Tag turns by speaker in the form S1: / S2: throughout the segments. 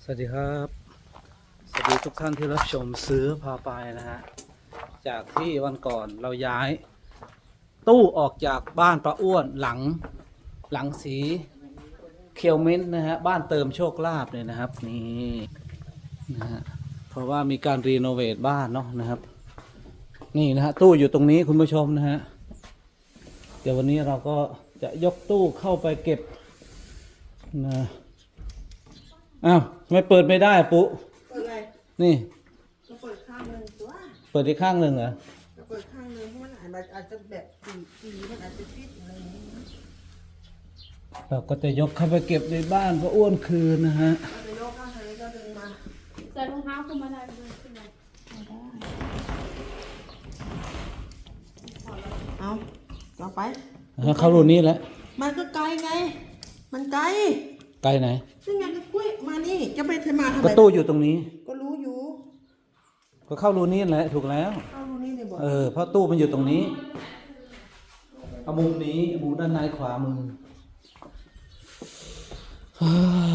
S1: สวัสดีครับสวัสดีทุกท่านที่รับชมซื้อพาไปนะฮะจากที่วันก่อนเราย้ายตู้ออกจากบ้านป้าอ้วนหลังสีเคียวเม้นท์นะฮะบ้านเติมโชคลาภเนี่ยนะครับนี่นะฮะเพราะว่ามีการรีโนเวทบ้านเนาะนะครับนี่นะฮะตู้อยู่ตรงนี้คุณผู้ชมนะฮะเดี๋ยววันนี้เราก็จะยกตู้เข้าไปเก็บนะอ้าวทำไมเปิดไม่ได้ปุ๊
S2: เปิดอะไร
S1: นี่
S2: ก็เปิดข้างหนึ่งตัว
S1: เปิดอีกข้างหนึ่งเหรอ
S2: ก็เปิดข้างหนึ่งเพราะมันอาจจะแบบสีมันอาจจะฟิตอะไรอย่างนี้นะ
S1: เราก็จะยกเข้าไปเก็บในบ้านป้าอ้วนคืนนะฮะ
S2: ก็จะยกข้างนี้ก็ดึงมา
S3: ใส่รองเท้าขึ้นมาได้ไหมขึ้นมา
S2: เอาต่อไป
S1: เข้ารูนี้แล้ว
S2: มันก็ไกลไง มันไกล
S1: ไกลไหน
S2: ซึ่งไงก็กุ้ยมานี่จะไปทำมาทำ
S1: ก็
S2: ไม
S1: ตู้อยู่ตรงนี้
S2: ก็รู้อยู่
S1: ก็เข้ารูนี้แหละถูกแล้ว
S2: เข้ารู้นี่เลยบอก
S1: เพราะตู้มันอยู่ตรงนี้เอามุมนี้มุมด้านในขวามือฮ่า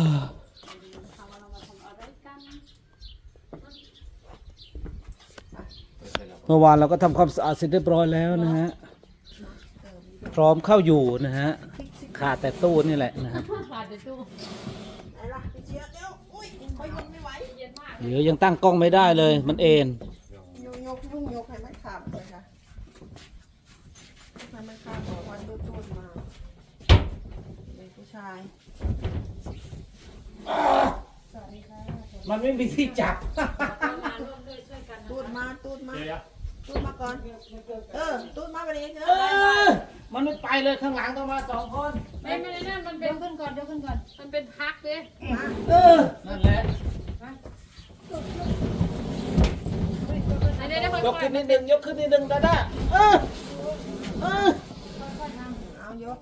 S1: เมื่อวานเราก็ทำความสะอาดเสร็จเรียบร้อยแล้วนะฮะพร้อมเข้าอยู่นะฮะขาดแต่ตู้นี่แหละนะฮะ
S3: ขาดเดี๋ยวตู้
S2: ไหนล่ะไปเชียร์เดี๋ยวอุ้ยคอยยกไม่ไหว
S3: เย็นมาก
S1: เดี๋ยวยังตั้งกล้องไม่ได้เลยมันเอ็น
S2: ยกให้มันขาดเลยค่ะให้มันขาดบอกวันตูดมาเป็นผู้ชาย
S1: มันไม่มีที่จับ
S3: มาร่วมด้วยช่วยกัน
S2: ตูดมาตูดมาก่อนตูดมาไปเลยเถ
S1: เอ
S2: อะ
S1: มันไม่ไปเลยข้างหลังต้องมาสองคน
S3: ไม่ได้นั่นมันเป็นขึ้นก่อนเดี๋ยวขึ้นก่อนมันเป็นพักเด้
S1: นั่นแหละ
S3: อันนี้ได้ค่อย
S1: ยกขึ้นนิดนึงยกขึ้นนิดนึงดาด้า
S2: เอายก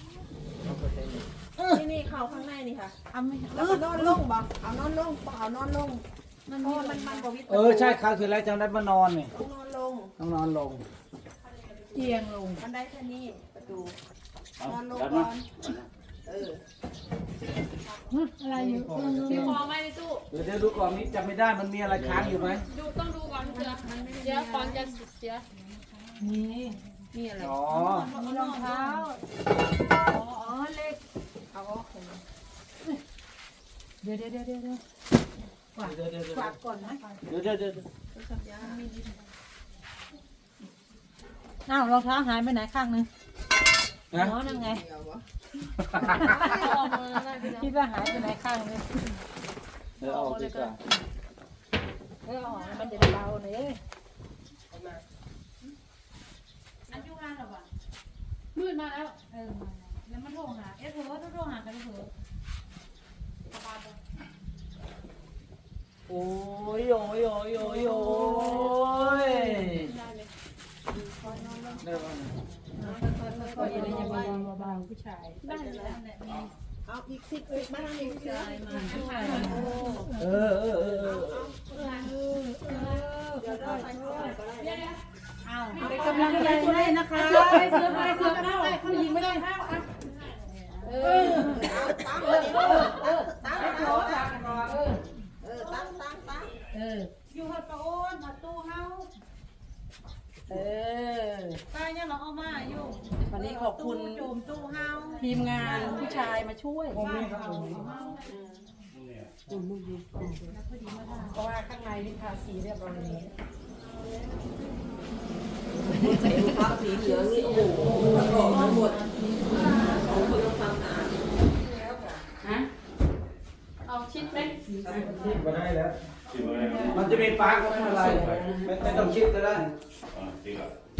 S2: นี่เข่าข้างในนี่ค่ะ
S3: เอาไม่
S2: แล้วก็นอนลงบ่เอานอนลงเอานอนลงมันกว่าวิทย์
S1: ใช่คราวที่แล้วจำได้มานอนเนี่ย
S2: ต้องนอนลง
S1: ต้องนอนลง
S3: เอียงลง
S2: มันได้แค่นี้ประตูนอนลง
S1: ดัน
S2: ก่
S1: มา
S2: อนเออ
S3: อะไรอยู่มีฟองไหมในตู้
S1: เดี๋ยวดูก่อนนี้จำไม่ได้มันมีอะไรค้างอยู่ไหม
S3: ดูต้องดูก่อนเสือเดี๋ยวก่อนจะเสีย
S2: นี่อะไร
S1: อ๋อ
S3: มีรองเท้าอ๋อเล็ก
S2: เอาออกเห็นไหม
S3: เดี๋ยวฝากก่อนนะ
S1: เดี๋ยว
S2: ตัวสัญญาณ
S3: อ้าวรองเท้าหายไปไหนข้างนึง
S1: นะ
S3: อ๋อนั่นไง
S2: เดี๋ยววะ
S3: คิดว่าหายไปไหนข้างนึง
S1: เดี๋ยวเอาดีกว่า
S3: มันจะเบาหน่อยอันยุงานหรอวะมืดมาแล้วแล้วมันโทรหาเผลอโทรหากันเผลอ
S1: โอ้ยโอ้ยโอ้ยโอ้ยโอ้ยได้ป่ะ
S3: ก็ยังจะเบาๆผู้ชายได้แล้ว
S2: เอาอีกสิบมาทางนี้ผู้ชายมา
S1: เออ
S2: เดี๋ยวเราใส่เข้าไปก็ได้
S3: เป็นกำลังใจให้นะคะเสือไปเข้าผู้หญิงไม่ได้เข้าอ่ะ
S2: ตั้งเลยตั้ง
S3: อยู่หัดประโอนหัดตู้เฮาตายยังเราเอามาอยู่
S2: วันนี้ขอบคุณ
S3: จูมตู้เฮา
S2: ทีมงานผู้ชายมาช่วยเพราะว่าข้างในนี่ทาสีเรียบร้อยแล้วใส่ผ้าสีเหลืองนี่โอ้โหหมดของคนต้องทำหนา
S3: เอาชิดไหม
S1: ชิดมาได้แล้วมันจะมีปาร์กก็ไม่เป็นไรไม่ต้องชิดก็ได้
S3: ดี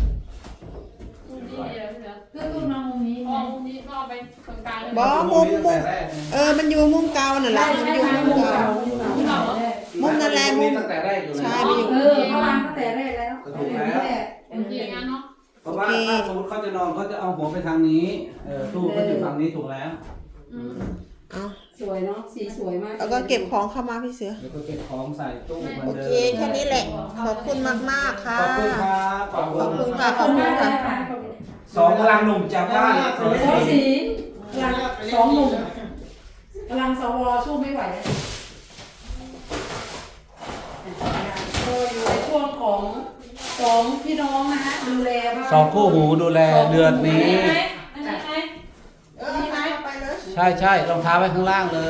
S3: เลยคือตู้นอนมุมนี้มุมนี้ก็เอาไปตรงกลางเลย
S2: บอมุมมันอยู่มุมเก่านั่นแหละมันอยู่มุมเก่ามุมนั่นแหละมุม
S1: ตั้งแต่แรกอยู่แล้ว
S2: ใช่ไปอยู่
S3: เขาวางตั้งแต่แรกแล้ว
S1: ถูกแล้ว
S3: โอเคงั้นเนาะ
S1: เพราะว่าถ้าสมมติเขาจะนอนเขาจะเอาหัวไปทางนี้ตู้เขาอยู่ฝั่งนี้ถูกแล้ว
S2: เอา
S4: สวยเนาะสีสวยมาก
S2: แล้วก็เก็บของเข้ามาพี่เสือ
S1: แล้วก็เก็บของใส่ตู้เหมือน
S2: โอ
S1: เดิ
S2: เคแค่นี้แหละ ขอบคุณมากๆค่ะ
S1: ขอบคุณครับขอบ
S2: ขอบ
S1: คุ
S2: คุณ ณค่ะขอบคุณค่ะ
S1: สองกำลังหนุ่มจากบ้าน
S4: สีกำลังสองหนุ่มกำลังสวสู้ไม่ไหวของพี่น้องนะฮะดูแลบ้าน
S1: สองคู่หูดูแลเดือนนี้
S3: อันนี้ไหม
S2: ไปเลย
S1: ใช่รองเท้าไว้ข้างล่างเลย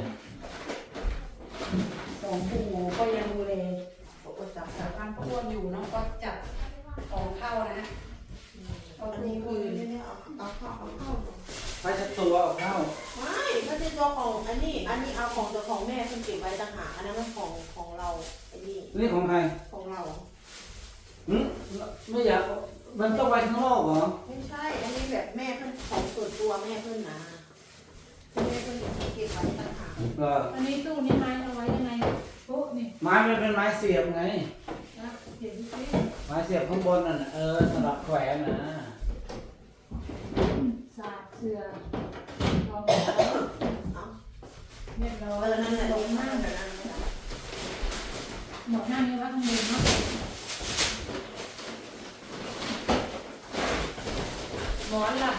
S4: สองคู่หูก็ยังดูแลจับสารพันพวกอยู่เนาะก็จัดของเข้านะเอา
S2: อัน
S4: คื
S2: นี้
S4: น
S2: คือ
S4: คืน
S2: เนี่ยเอาเข้า
S1: ไปชัดตัวเอาเข้า
S2: ไม่ไม่ใช่ตัวของอันนี้เอาของตัวของแม่เพิ่งเก็บไว้ต่างหากอันนั้นมันของเราไอ้นี่
S1: นี่ของใคร
S2: ของเรา
S1: หึไม่อยากมันต้องไปข้างนอกเหรอ
S2: ไม่ใช่ อันนี้แบบแม่เพิ่นของส่วนตัวแม่เพิ่นนะแม่เพิ่นเก็บไว้ต่างหาก
S1: ก็
S3: อันนี้ตู้นี้ไม้เอาไว้ยังไงโอ้นี่
S1: ไม้มันเป็นไม้เสียบไง
S3: นะเดี๋ยวดูสิ
S1: ไม้เสียบข้างบนน่ะสำหรับแขวนนะ
S3: สาดเสือรอง
S2: เอา
S3: เรียบร้อย
S2: นั่นแหละ
S3: ล
S2: ล
S3: ง
S2: ง
S3: หน้า
S2: นั่นแหละนั่นแหละ
S3: หมดหน้านี้ว่าข้างบนเนาะ
S2: หมอนล่ะ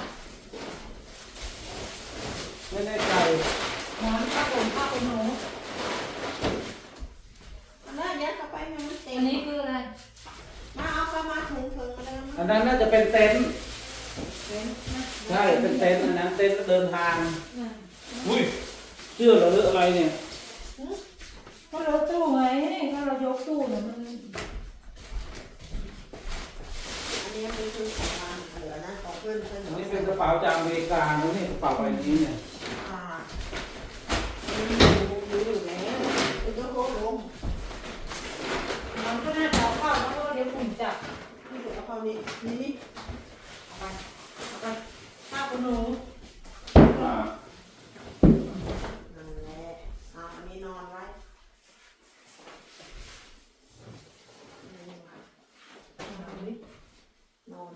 S1: ไม่แน่ใจ
S3: หมอนผ้าห่มผ้าขนหนู
S2: อันนั้นยัดเข้าไปให้มันเต็ม
S3: อันนี้คืออะไร
S2: มาเอาเข้ามาถุงมาเลย
S1: อันนั้นน่าจะเป็นเต็นท์
S3: เป็นนะ
S1: ใช่เป็นเต็นท์อันนั้นเต็นท์เดินทาง
S3: อ่า
S1: อุ้ยเสื้อเหรอหรืออะไรเนี่ย
S3: ก็เราตู้ไงถ้าเรายกตู้เนี่ยมัน
S2: อันนี้เป็นคือของมันเหลือนะของเพื่อน
S1: อันนี้เป็นกระเป๋าจากอเมริกานะนี่กระเป๋าใบนี้เนี่ย
S2: อ่ามันอยู่แล้วเป็นตัวโค้งลง
S3: มันก็น่าจะเอาเข้าแล้วก็เดี๋ยวฝุ่นจับ
S2: นี่เดี๋ยวเอาเข้านี่นี่เอาไป
S3: ผ้าขนหนู
S2: นั่นแหละเอาอันนี้นอนไว้นอน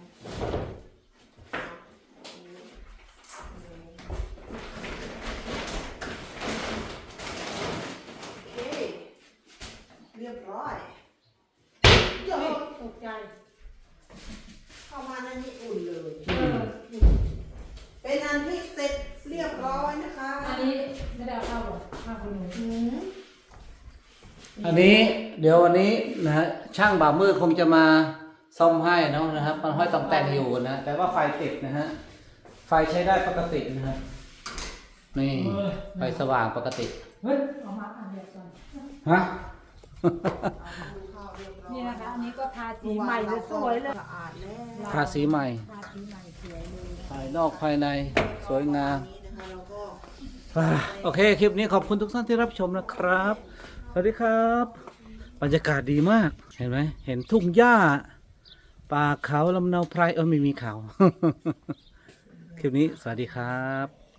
S2: โอเคเรียบร้อยเดี๋ยว
S3: ตกใจ
S2: เข้ามาในนี้อุ่นเลย
S3: เออ
S2: เป็นอันที่เสร็จเรียบร้อยนะคะ
S3: อันนี้ไม่ได้เอาเข้าหรอกผ้าขนหนู
S2: หืม
S1: อันนี้เดี๋ยววันนี้นะฮะช่างบ่าวมืดคงจะมาซ่อมให้เนาะนะครับมันห้อยตองแต่งอยู่นะแต่ว่าไฟติดนะฮะไฟใช้ได้ปกตินะฮะนี่ไฟสว่างปกติ
S3: เฮ้ยเอามาอันเดียวกัน
S1: ฮะ
S2: ดูข้าวเรียบร้อย
S3: นี่นะคะ อันนี้ก็ทาสีใหม่เลยสวยเลย
S2: สะอาดแล้ว
S1: ทาสีใหม่
S3: ทาสีใหม่สวยเลย
S1: ภายนอกภายในสวยงาม
S2: นี้นะคะเราก็
S1: โอเค คลิปนี้ขอบคุณทุกท่านที่รับชมนะครับ สวัสดีครับ บรรยากาศดีมาก เห็นไหม เห็นทุ่งหญ้า ป่าเขาลำเนาไพรไม่มีเขา คลิปนี้สวัสดีครับ